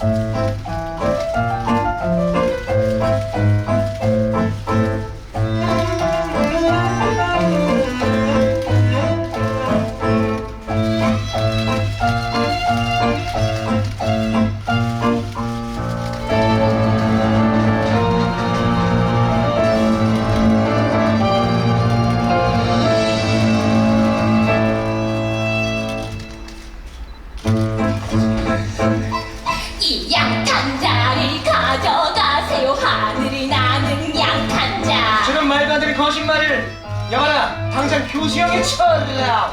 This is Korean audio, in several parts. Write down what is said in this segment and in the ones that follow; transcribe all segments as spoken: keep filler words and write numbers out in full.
이 양탄자를 가져가세요. 하늘이 나는 양탄자. 저런 말도 안 되는 거짓말을. 여봐라, 당장 교수형에 쳐라.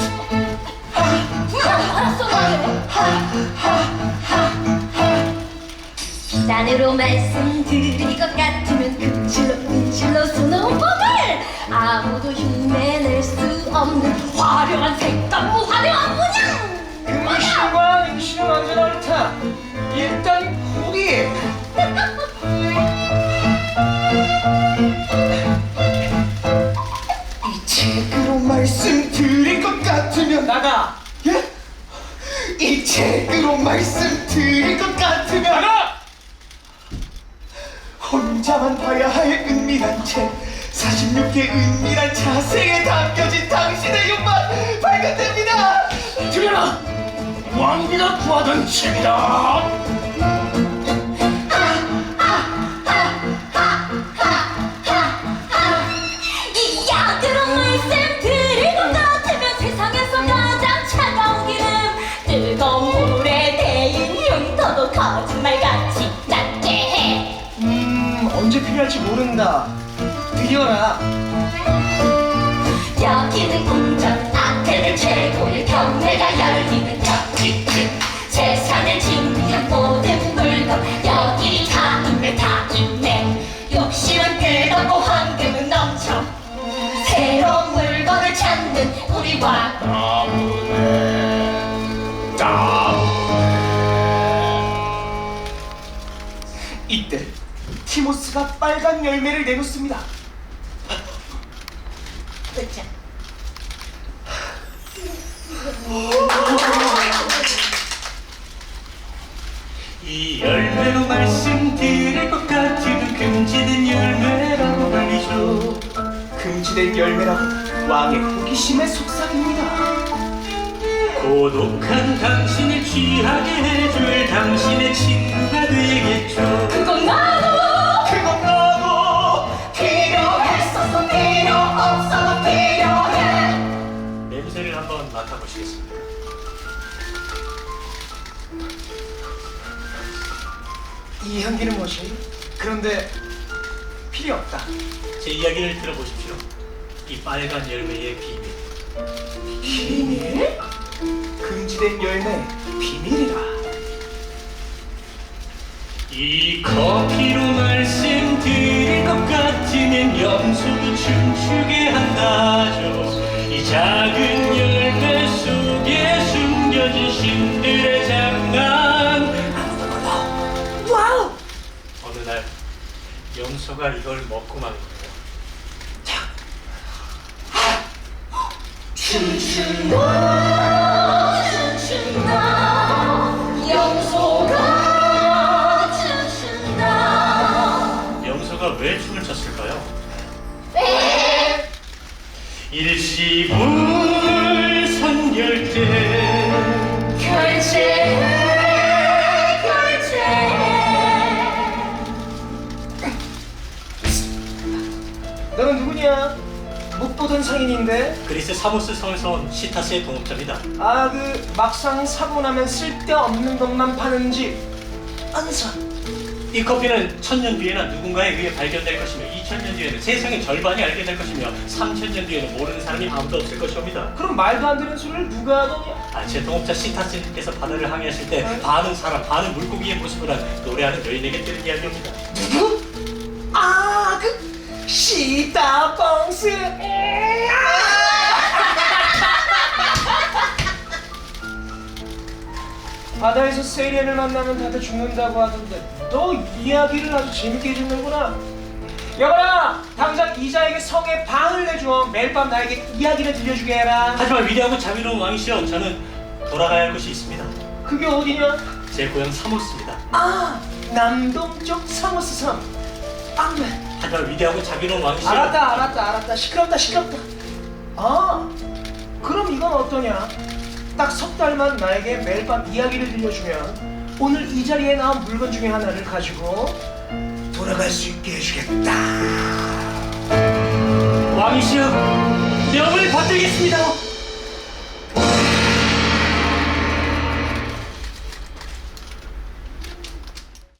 알았어, 비단으로 말씀드릴 것 같으면 금실로 은실로 수놓은 법을 아무도 흉내낼 수 없는 화려한 색감, 화려한 문양. 금실과 임실은 언제나 옳다. 일단 포기. 이 책으로 말씀드릴 것 같으면 나가. 예? 이 책으로 말씀드릴 것 같으면 나가. 혼자만 봐야 할 은밀한 책, 사십육 개 은밀한 자세에 담겨진 당신의 욕망 발견됩니다. 들여라, 왕비가 구하던 책이다. 이 약으로 말씀드릴 것 같으면 세상에서 가장 차가운 기름, 뜨거운 물에 데인 흉터도 거짓말같이 낫게 해. 음, 언제 필요할지 모른다. 들여라. 여기는 궁전, 앞에는 최고의 경매가 열리는 여기. 세상을 진미한 모든 물건 여기 다 있네, 다 있네. 욕심은 끝없고 황금은 넘쳐. 새로운 물건을 찾는 우리 왕. 따분해, 따분해. 이때 티모스가 빨간 열매를 내놓습니다. 그쵸? 이 열매로 말씀드릴 것 같은 금지된 열매라고 불리죠. 금지된 열매라고 왕의 호기심에 속삭입니다. 고독한 당신을 취하게 해줄 당신의 친구가 되겠죠. 그건 나도. 그건 나도 필요했었어. 필요 없어도 필요해. 냄새를 한번 맡아보시겠습니까? 이 향기는 무엇이? 그런데 필요 없다. 제 이야기를 들어보십시오. 이 빨간 열매의 비밀. 비밀? 금지된 열매 비밀이라. 이 커피로 말씀드릴 것 같으면 염소도 춤추게 한다죠. 이 작은 열매 속에 숨겨진 신들의 장난. 와우! 어느 날 염소가 이걸 먹고 만 거예요. 춤춘다, 춤춘다, 염소가 춤춘다. 염소가 왜 춤을 췄을까요? 왜? 일시불선열대 결제해, 결제해. 너는 누구냐? 못 보던 상인인데. 그리스 사모스 성에서 온 시타스의 동업자입니다. 아, 그 막상 사고 나면 쓸데없는 것만 파는 집 안산. 이 커피는 천년 뒤에는 누군가에 의해 발견될 것이며 이천 년 뒤에는 세상의 절반이 알게 될 것이며 삼천 년 뒤에는 모르는 사람이 아무도 없을 것입니다. 그럼 말도 안 되는 소리를 누가 하더냐? 아, 제 동업자 시타스님께서 바다를 항해하실 때 반은 사람, 반은 물고기의 모습을 한 노래하는 여인에게 들은 이야기입니다. 누구? 아, 그 시다봉스. 바다에서 세리안을 만나면 다들 죽는다고 하던데 너 이야기를 아주 재밌게 해주는구나. 여보라, 당장 이자에게 성에 방을 내줘. 매일 밤 나에게 이야기를 들려주게 해라. 하지만 위대하고 자비로운 왕이시여, 저는 돌아가야 할 곳이 있습니다. 그게 어디냐? 제 고향 사모스입니다. 아, 남동쪽 사모스 섬. 안 돼. 하지만 위대하고 자비로운 왕씨. 알았다, 알았다, 알았다. 시끄럽다, 시끄럽다. 아, 그럼 이건 어떠냐? 딱 석 달만 나에게 매일 밤 이야기를 들려주면 오늘 이 자리에 나온 물건 중에 하나를 가지고 돌아갈 수 있게 해주겠다. 왕이시여, 명을 받들겠습니다.